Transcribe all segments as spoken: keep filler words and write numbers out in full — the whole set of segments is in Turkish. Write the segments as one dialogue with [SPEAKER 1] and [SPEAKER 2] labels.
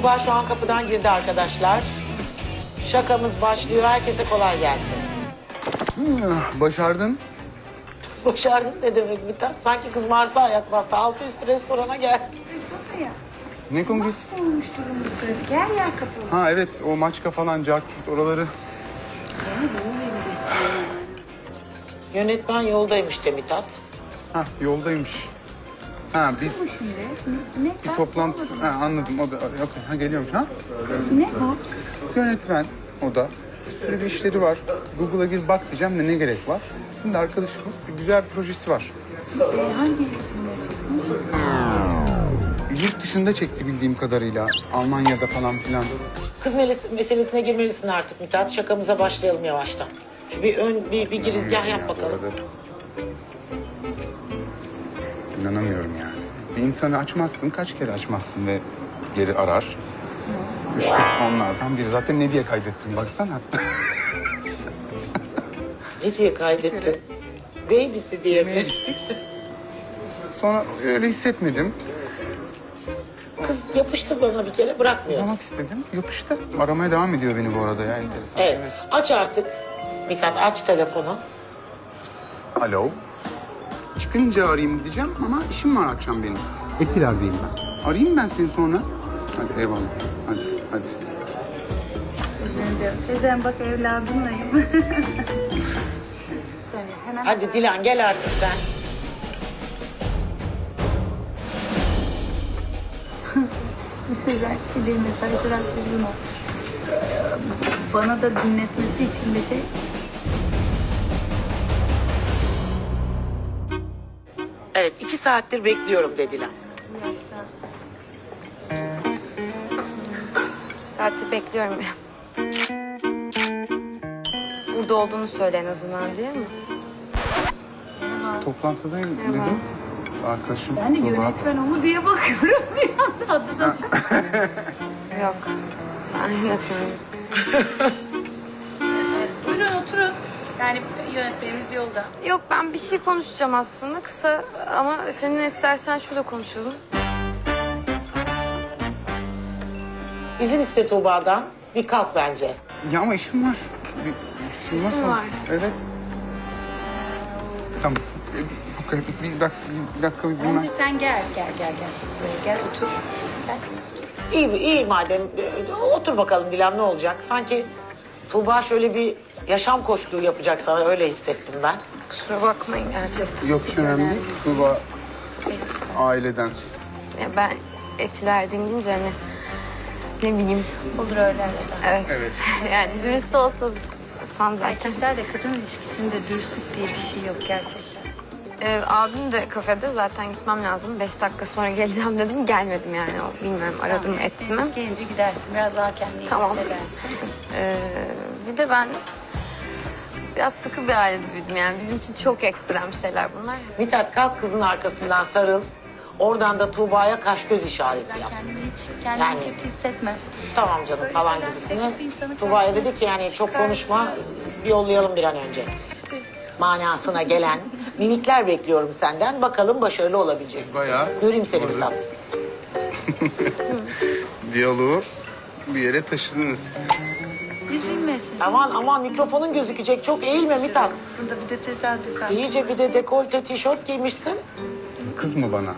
[SPEAKER 1] Tuğba şu an kapıdan girdi arkadaşlar. Şakamız başlıyor. Herkese kolay gelsin.
[SPEAKER 2] Ah, başardın.
[SPEAKER 1] Başardın ne demek Mithat? Sanki kız Mars'a ayak bastı. Altı üstü restorana geldi.
[SPEAKER 3] Restorana ya.
[SPEAKER 2] Ne kongresi?
[SPEAKER 3] Olmuş durumda trafik. Her yer kapalı.
[SPEAKER 2] Ha evet, o Maçka falan, Cahçurt oraları.
[SPEAKER 3] Yeni bunu verecek.
[SPEAKER 1] Yönetmen yoldaymış de Mithat.
[SPEAKER 2] Ha yoldaymış. Ha bir,
[SPEAKER 3] Bu şimdi. Ne? ne?
[SPEAKER 2] bir toplantı. Ha, anladım, o da yok. Ha geliyormuş ha.
[SPEAKER 3] Ne bu?
[SPEAKER 2] Yönetmen o da. Bir sürü bir işleri var. Google'a gir bak diyeceğim de ne gerek var. Şimdi arkadaşımız bir güzel bir projesi var.
[SPEAKER 3] Ee, hangi
[SPEAKER 2] Yurt dışında çekti bildiğim kadarıyla. Almanya'da falan filan.
[SPEAKER 1] Kız meles- meselesine girmelisin artık Mithat. Şakamıza başlayalım yavaştan. Şu bir ön bir, bir girizgah yap bakalım.
[SPEAKER 2] Bu arada İnanamıyorum yani. Bir insanı açmazsın, kaç kere açmazsın ve geri arar. İşte onlardan biri. Zaten ne diye kaydettim baksana.
[SPEAKER 1] Ne diye kaydettin? Baby'si diye mi?
[SPEAKER 2] Sonra öyle hissetmedim.
[SPEAKER 1] Kız yapıştı bana bir kere bırakmıyor.
[SPEAKER 2] Uzamak istedim, yapıştı. Aramaya devam ediyor beni bu arada ya, enteresan.
[SPEAKER 1] Evet. Aç artık. Mithat aç telefonu.
[SPEAKER 2] Alo. Çıkınca arayayım diyeceğim ama işim var akşam benim. Etiler'deyim ben. Arayayım ben seni sonra. Hadi eyvallah. Hadi, hadi.
[SPEAKER 3] Sezen bak evladımlayım. Tabii, hemen.
[SPEAKER 1] Hadi Dilan gel artık sen.
[SPEAKER 3] Bir Sezen bir mesaj bıraktı bunu. Bana da dinletmesi için bir şey.
[SPEAKER 1] Evet iki saattir bekliyorum de Dilan.
[SPEAKER 4] Bir saati bekliyorum ya. Burada olduğunu söyle en azından, değil mi?
[SPEAKER 2] Toplantıdayım dedim. Arkadaşım
[SPEAKER 3] Ben de
[SPEAKER 2] Tuğba.
[SPEAKER 3] yönetmen o mu diye bakıyorum bir anda adı da.
[SPEAKER 4] Yok. Ben yönetmenim.
[SPEAKER 3] Buyurun oturun. Yani yönetmenimiz yolda.
[SPEAKER 4] Yok, ben bir şey konuşacağım aslında kısa ama seninle istersen şurada konuşalım.
[SPEAKER 1] İzin iste Tuğba'dan. Bir kalk bence.
[SPEAKER 2] Ya ama işim var. Bir, işim var.
[SPEAKER 4] İşin
[SPEAKER 2] sonra.
[SPEAKER 4] var.
[SPEAKER 2] Evet. Tamam. Bir, bir, bir, bir dakika, bir dakika izin ver.
[SPEAKER 3] Bence sen gel, gel, gel, gel. Buraya gel, otur. Gel, otur.
[SPEAKER 1] İyi iyi madem. Ee, Otur bakalım Dilan ne olacak? Sanki Tuğba şöyle bir yaşam koçluğu yapacak sana öyle hissettim ben.
[SPEAKER 4] Kusura bakmayın gerçekten.
[SPEAKER 2] Yok hiç önemli değil. Tuğba aileden.
[SPEAKER 4] Ya ben Etiler'deyim deyince hani ne bileyim.
[SPEAKER 3] Olur öyle öyle.
[SPEAKER 4] Evet.
[SPEAKER 2] Evet.
[SPEAKER 4] Yani dürüst olsun san zaten.
[SPEAKER 3] Erkeklerle kadın ilişkisinde dürüstlük diye bir şey yok gerçekten.
[SPEAKER 4] Ee, abim de kafede, zaten gitmem lazım. Beş dakika sonra geleceğim dedim, gelmedim yani. O, bilmiyorum, aradım ettim mi?
[SPEAKER 3] Gelince gidersin, biraz daha kendini
[SPEAKER 4] Tamam.
[SPEAKER 3] hissedersin.
[SPEAKER 4] Ee, bir de ben biraz sıkı bir ailede büyüdüm yani. Bizim için çok ekstrem şeyler bunlar.
[SPEAKER 1] Mithat kalk kızın arkasından sarıl. Oradan da Tuğba'ya kaş göz işareti yap.
[SPEAKER 3] Kendini hiç, kendini
[SPEAKER 1] Yani-
[SPEAKER 3] kötü hissetme.
[SPEAKER 1] Tamam canım
[SPEAKER 3] Böyle
[SPEAKER 1] falan
[SPEAKER 3] şeyler
[SPEAKER 1] gibisine.
[SPEAKER 3] seksi bir insanı
[SPEAKER 1] Tuğba'ya
[SPEAKER 3] karşısına
[SPEAKER 1] dedi ki yani çok
[SPEAKER 3] çıkar.
[SPEAKER 1] konuşma bir yollayalım bir an önce. Manasına gelen mimikler bekliyorum senden. Bakalım başarılı olabilecek misin?
[SPEAKER 2] Bayağı.
[SPEAKER 1] Göreyim seni
[SPEAKER 2] Orada.
[SPEAKER 1] Mithat.
[SPEAKER 2] Diyaloğu bir yere taşıdınız.
[SPEAKER 3] Üzülmesin.
[SPEAKER 1] Aman aman mikrofonun gözükecek. Çok eğilme Mithat.
[SPEAKER 3] Burada bir de tesadüf var.
[SPEAKER 1] İyice bir de dekolte tişört giymişsin.
[SPEAKER 2] Kız mı bana?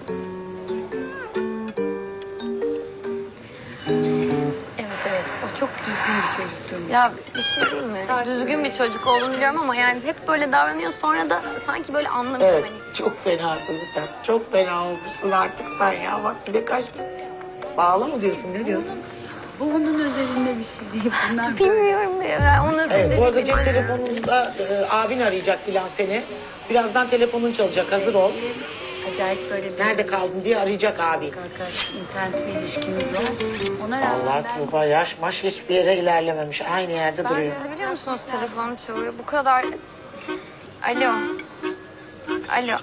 [SPEAKER 3] Evet evet, o çok düzgün bir çocuktur.
[SPEAKER 4] Ya bir şey değil mi? Düzgün bir çocuk olduğunu biliyorum ama yani hep böyle davranıyor, sonra da sanki böyle anlamıyor
[SPEAKER 1] Evet
[SPEAKER 4] hani.
[SPEAKER 1] çok fenasın Mithat. Çok fena olmuşsun artık sen ya. Bak bir de kaş. Bağlı mı diyorsun ne diyorsun?
[SPEAKER 3] Bu onun özelinde bir şey değil. Bunlar böyle.
[SPEAKER 4] Bilmiyorum ya, onun
[SPEAKER 1] Evet bu arada
[SPEAKER 4] dediğim-
[SPEAKER 1] cep telefonunda e, abin arayacak Dilan seni. Birazdan telefonun çalacak hazır ol.
[SPEAKER 3] Acayip böyle bir
[SPEAKER 1] Nerede kaldın diye arayacak abin.
[SPEAKER 3] arkadaş, internet bir ilişkimiz var. Ona rağmen
[SPEAKER 1] Allah
[SPEAKER 3] ben...
[SPEAKER 1] Tuğba yaş maş hiçbir yere ilerlememiş. Aynı yerde
[SPEAKER 4] Ben
[SPEAKER 1] duruyor.
[SPEAKER 4] sizi biliyor musunuz, telefonum çalıyor. Bu kadar... Alo. Alo.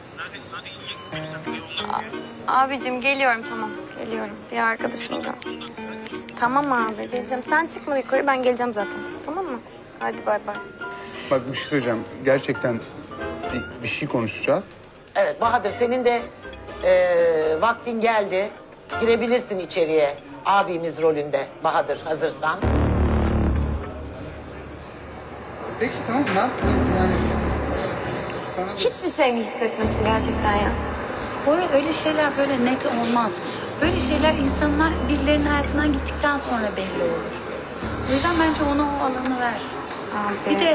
[SPEAKER 4] A- abicim geliyorum, tamam. Geliyorum. Bir arkadaşım gel. Tamam abi, geleceğim. Sen çıkma yukarı, ben geleceğim zaten. Tamam mı? Hadi bay bay.
[SPEAKER 2] Bak bir şey söyleyeceğim. Gerçekten bir, bir şey konuşacağız.
[SPEAKER 1] Evet Bahadır senin de e, vaktin geldi. Girebilirsin içeriye. abimiz rolünde Bahadır, hazırsan.
[SPEAKER 2] Peki tamam ne yapayım yani? Sana da...
[SPEAKER 4] Hiçbir şey mi hissetmesin gerçekten ya?
[SPEAKER 3] Bora öyle şeyler böyle net olmaz. Böyle şeyler insanlar birilerinin hayatından gittikten sonra belli olur. O yüzden bence ona o alanı ver.
[SPEAKER 4] Abi.
[SPEAKER 3] Bir de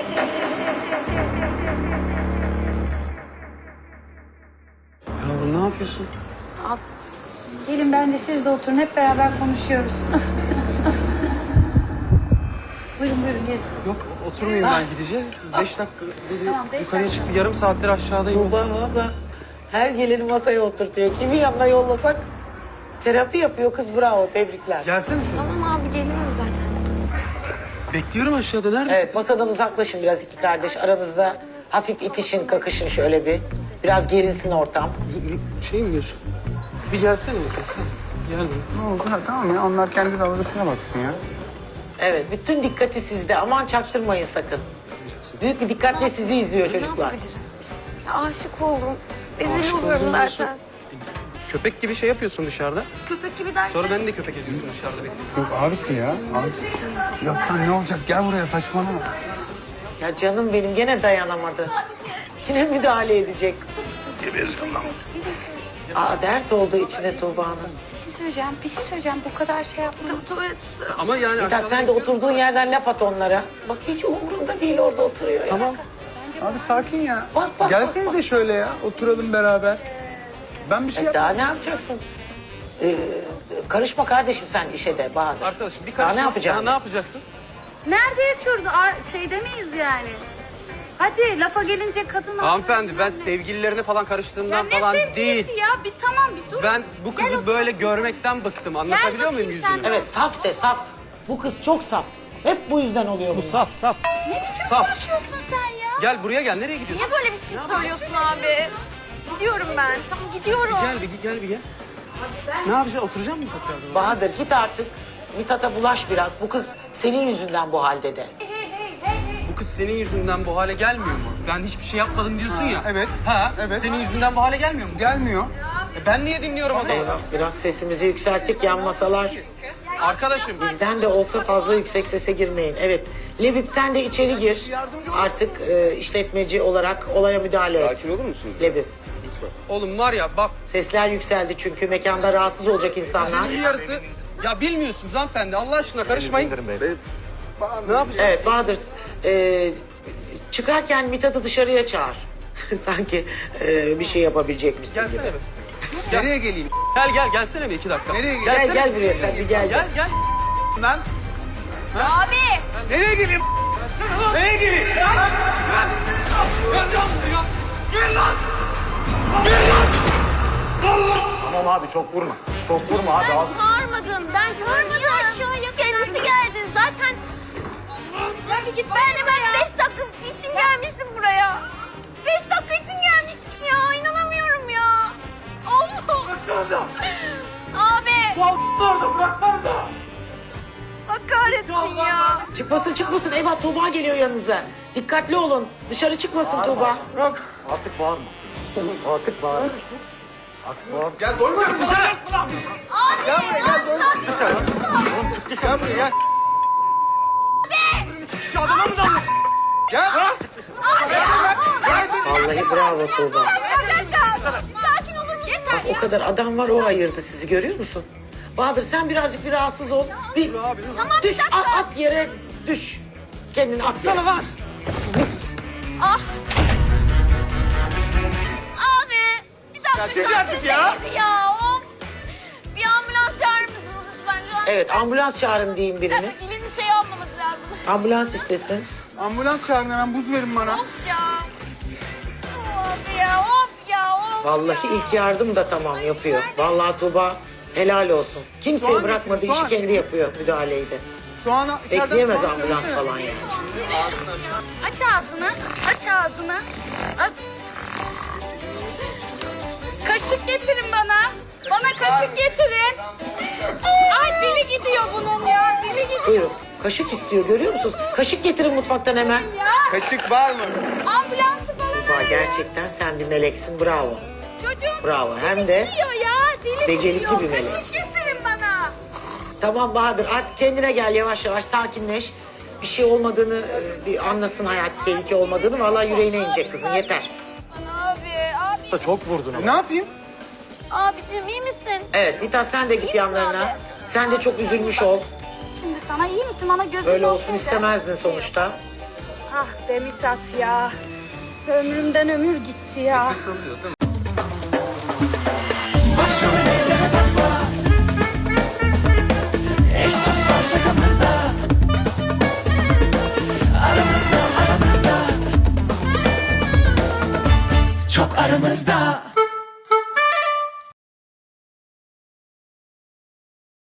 [SPEAKER 5] Yavrum ne yapıyorsun?
[SPEAKER 3] Al, gelin bence siz de oturun hep beraber konuşuyoruz. Buyurun buyurun gelin.
[SPEAKER 5] Yok oturmayayım ben gideceğiz. Beş dakika dedi
[SPEAKER 3] Tamam, beş
[SPEAKER 5] yukarıya
[SPEAKER 3] dakika.
[SPEAKER 5] çıktı. Yarım saattir aşağıdayım.
[SPEAKER 1] Tuğba valla her geleni masaya oturtuyor. Kimin yanına yollasak terapi yapıyor kız, bravo, tebrikler.
[SPEAKER 5] Gelsene şöyle.
[SPEAKER 4] Tamam abi geliyorum zaten.
[SPEAKER 5] Bekliyorum aşağıda. Neredesin?
[SPEAKER 1] Evet, masadan uzaklaşın biraz iki kardeş. Aranızda hafif itişin, kakışın şöyle bir. Biraz gerilsin ortam.
[SPEAKER 5] Şey mi diyorsun? Bir gelsene bakalım sen. Gel.
[SPEAKER 2] Ne oldu? Ha, tamam ya onlar kendi dalgasına baksın ya.
[SPEAKER 1] Evet, bütün dikkati sizde. Aman çaktırmayın sakın. Büyük bir dikkatle sizi izliyor
[SPEAKER 4] Ne
[SPEAKER 1] çocuklar.
[SPEAKER 4] yapabilirim? Ya aşık oldum. Rezil
[SPEAKER 5] Aşık
[SPEAKER 4] oluyorum
[SPEAKER 5] oldum diyorsun.
[SPEAKER 4] zaten.
[SPEAKER 5] Köpek gibi şey yapıyorsun dışarıda.
[SPEAKER 4] Köpek gibi derken.
[SPEAKER 5] Sonra beni de köpek ediyorsun dışarıda bekliyorsun.
[SPEAKER 2] Yok abisi ya. Abisi. Yok lan ne olacak? Gel buraya saçmalama.
[SPEAKER 1] Ya canım benim gene dayanamadı. Yine müdahale edecek.
[SPEAKER 2] Gebereceğim lan.
[SPEAKER 1] Aa, dert oldu içine Tuğba'nın.
[SPEAKER 3] Bir şey söyleyeceğim, bir şey söyleyeceğim. Bu kadar şey yapma.
[SPEAKER 4] Tuvalet üstü.
[SPEAKER 5] Ama yani
[SPEAKER 1] Mithat
[SPEAKER 5] aşağıda
[SPEAKER 1] sen de
[SPEAKER 5] bekliyorum.
[SPEAKER 1] oturduğun yerden laf at onlara. Bak hiç umurunda değil, orada oturuyor ya.
[SPEAKER 5] Tamam.
[SPEAKER 2] Abi sakin ya.
[SPEAKER 1] Bak, bak,
[SPEAKER 2] Gelsenize şöyle ya. Oturalım beraber. Ben bir şey
[SPEAKER 1] E,
[SPEAKER 2] yap.
[SPEAKER 1] daha ne yapacaksın? Ee, karışma kardeşim sen işe de Bahadır.
[SPEAKER 5] Arkadaşım bir
[SPEAKER 1] Daha
[SPEAKER 5] karışma.
[SPEAKER 1] ne yapacaksın?
[SPEAKER 5] Daha ne yapacaksın?
[SPEAKER 3] Nerede yaşıyoruz? Ar şeyde miyiz yani? Hadi lafa gelince kadın...
[SPEAKER 5] Hanımefendi ben sevgililerine falan karıştığımdan
[SPEAKER 3] Ya ne
[SPEAKER 5] falan
[SPEAKER 3] sevgilisi
[SPEAKER 5] değil.
[SPEAKER 3] ya? Bir tamam bir dur.
[SPEAKER 5] Ben bu
[SPEAKER 3] Gel
[SPEAKER 5] kızı
[SPEAKER 3] otur.
[SPEAKER 5] böyle görmekten bıktım. Anlatabiliyor muyum
[SPEAKER 3] bakayım sen
[SPEAKER 5] yüzünü?
[SPEAKER 3] de.
[SPEAKER 1] Evet, saf de saf. Bu kız çok saf. Hep bu yüzden oluyor bu.
[SPEAKER 5] Saf saf.
[SPEAKER 3] Ne biçim
[SPEAKER 5] Saf.
[SPEAKER 3] konuşuyorsun sen ya?
[SPEAKER 5] Gel buraya gel. Nereye gidiyorsun?
[SPEAKER 4] Niye böyle bir şey söylüyorsun abi? Gidiyorum ben. Tamam gidiyorum.
[SPEAKER 5] Gel bir gel bir gel. Ne yapacaksın? Oturacak mısın tekrardan?
[SPEAKER 1] Bahadır git artık. Mithat'a bulaş biraz. Bu kız senin yüzünden bu halde de.
[SPEAKER 5] Bu kız senin yüzünden bu hale gelmiyor mu? Ben hiçbir şey yapmadım diyorsun ya.
[SPEAKER 2] evet.
[SPEAKER 5] Ha?
[SPEAKER 2] Evet.
[SPEAKER 5] Senin yüzünden bu hale gelmiyor mu? bu kız?
[SPEAKER 2] Gelmiyor.
[SPEAKER 5] E ben niye dinliyorum o zaman?
[SPEAKER 1] Biraz sesimizi yükselttik, yan masalar.
[SPEAKER 5] Arkadaşım
[SPEAKER 1] Bizden de olsa fazla yüksek sese girmeyin. Evet, Lebip sen de içeri gir. Artık e, işletmeci olarak olaya müdahale et.
[SPEAKER 6] Sakin olur musunuz?
[SPEAKER 1] Lebip.
[SPEAKER 5] oğlum var ya bak
[SPEAKER 1] Sesler yükseldi çünkü mekanda rahatsız olacak insanlar.
[SPEAKER 5] bir yarısı ya bilmiyorsunuz hanımefendi Allah aşkına karışmayın. Ne yapacağız?
[SPEAKER 1] Evet Bahadır, e, çıkarken Mithat'ı dışarıya çağır. Sanki e, bir şey yapabilecekmişsin
[SPEAKER 5] Gelsene
[SPEAKER 1] gibi.
[SPEAKER 5] be. Nereye geleyim? Gel gel gelsene bir iki dakika.
[SPEAKER 2] Nereye
[SPEAKER 1] Gel
[SPEAKER 5] Gelsene.
[SPEAKER 1] gel buraya sen bir gel.
[SPEAKER 5] Gel gel.
[SPEAKER 2] Lan.
[SPEAKER 4] Abi.
[SPEAKER 2] Nereye geleyim? Nereye geleyim?
[SPEAKER 7] Tamam abi çok vurma. Çok vurma abi
[SPEAKER 4] Ben
[SPEAKER 7] az.
[SPEAKER 4] çağırmadım. Ben çağırmadım. Aşağıya kendisi geldi. Zaten ben, ben hemen beş dakika için gelmiştim buraya. Beş dakika için gelmiştim ya. İnanamıyorum ya. Allah.
[SPEAKER 7] Bıraksanıza.
[SPEAKER 4] Abi.
[SPEAKER 7] Bu orada bıraksanıza.
[SPEAKER 4] Allah kahretsin ya.
[SPEAKER 1] Çıkmasın çıkmasın, eyvah Tuğba geliyor yanınıza. Dikkatli olun, dışarı çıkmasın Tuğba.
[SPEAKER 2] Bırak.
[SPEAKER 7] Artık bağırma.
[SPEAKER 1] Artık bağır.
[SPEAKER 7] Artık bağırma.
[SPEAKER 2] Gel doymadın mı sen?
[SPEAKER 4] Abi.
[SPEAKER 2] Gel buraya gel doymadın.
[SPEAKER 7] Dışarı. Oğlum çık dışarı.
[SPEAKER 2] Gel buraya gel.
[SPEAKER 7] Şu adama mı dalıyorsun?
[SPEAKER 2] Gel.
[SPEAKER 1] Vallahi bravo Tuğba.
[SPEAKER 4] Bir dakika. Sakin olur musun? Yeter
[SPEAKER 1] O kadar adam var, o ayırdı sizi, görüyor musun? Bahadır sen birazcık bir rahatsız ol. Bir
[SPEAKER 4] Tamam, bir
[SPEAKER 1] düş,
[SPEAKER 4] dakika.
[SPEAKER 1] at, at yere düş. Kendini at yere.
[SPEAKER 5] var.
[SPEAKER 4] Ah. Abi. Bir dakika.
[SPEAKER 2] çek artık ya.
[SPEAKER 4] Ya of. Bir ambulans çağırır mısınız lütfen? Şu an
[SPEAKER 1] Evet, ambulans çağırın diyeyim
[SPEAKER 4] bir dakika,
[SPEAKER 1] biriniz.
[SPEAKER 4] dilini şey yapmaması lazım.
[SPEAKER 1] Ambulans istesin.
[SPEAKER 2] Ambulans çağırın hemen buz verin bana.
[SPEAKER 4] Of ya. Of ya, of ya, of
[SPEAKER 1] Vallahi
[SPEAKER 4] ya.
[SPEAKER 1] ilk yardım da tamam yapıyor. Vallahi Tuğba helal olsun. Kimseyi
[SPEAKER 2] Soğan
[SPEAKER 1] bırakmadı,
[SPEAKER 2] getir,
[SPEAKER 1] işi
[SPEAKER 2] soğan.
[SPEAKER 1] kendi yapıyor müdahaleyi de.
[SPEAKER 2] Soğana içeriden
[SPEAKER 1] Bekleyemez
[SPEAKER 2] soğan
[SPEAKER 1] ambulans
[SPEAKER 2] söylesene.
[SPEAKER 1] falan yani.
[SPEAKER 3] Aç ağzını, aç ağzını. Aç. Kaşık getirin bana. Bana kaşık getirin. Ay dili gidiyor bunun ya, dili gidiyor
[SPEAKER 1] Buyurun. Kaşık istiyor, görüyor musunuz? Kaşık getirin mutfaktan hemen.
[SPEAKER 3] ya.
[SPEAKER 5] Kaşık var mı?
[SPEAKER 3] Ambulansı bana
[SPEAKER 1] Tuğba
[SPEAKER 3] ver.
[SPEAKER 1] gerçekten sen bir meleksin, bravo.
[SPEAKER 3] Çocuğum
[SPEAKER 1] Bravo, hem
[SPEAKER 3] dili
[SPEAKER 1] de
[SPEAKER 3] gidiyor ya, dili
[SPEAKER 1] becerikli
[SPEAKER 3] gidiyor.
[SPEAKER 1] bir melek.
[SPEAKER 3] Kaşık getirin bana.
[SPEAKER 1] Tamam Bahadır, artık kendine gel, yavaş yavaş sakinleş. Bir şey olmadığını e, bir anlasın, hayati tehlike olmadığını. Vallahi yüreğine inecek kızın, yeter.
[SPEAKER 4] Bana abi, abi.
[SPEAKER 7] Da çok vurdun ama.
[SPEAKER 2] Ne yapayım?
[SPEAKER 4] Abicim iyi misin?
[SPEAKER 1] Evet Mithat, sen de git
[SPEAKER 4] misin
[SPEAKER 1] yanlarına.
[SPEAKER 4] abi?
[SPEAKER 1] Sen de çok üzülmüş ol.
[SPEAKER 3] Şimdi sana iyi misin? Bana gözün
[SPEAKER 1] Öyle olsun
[SPEAKER 3] olsaydı.
[SPEAKER 1] istemezdin sonuçta.
[SPEAKER 3] Ah be Mithat ya. Ömrümden ömür gitti ya.
[SPEAKER 2] Salıyor değil mi?
[SPEAKER 6] Başım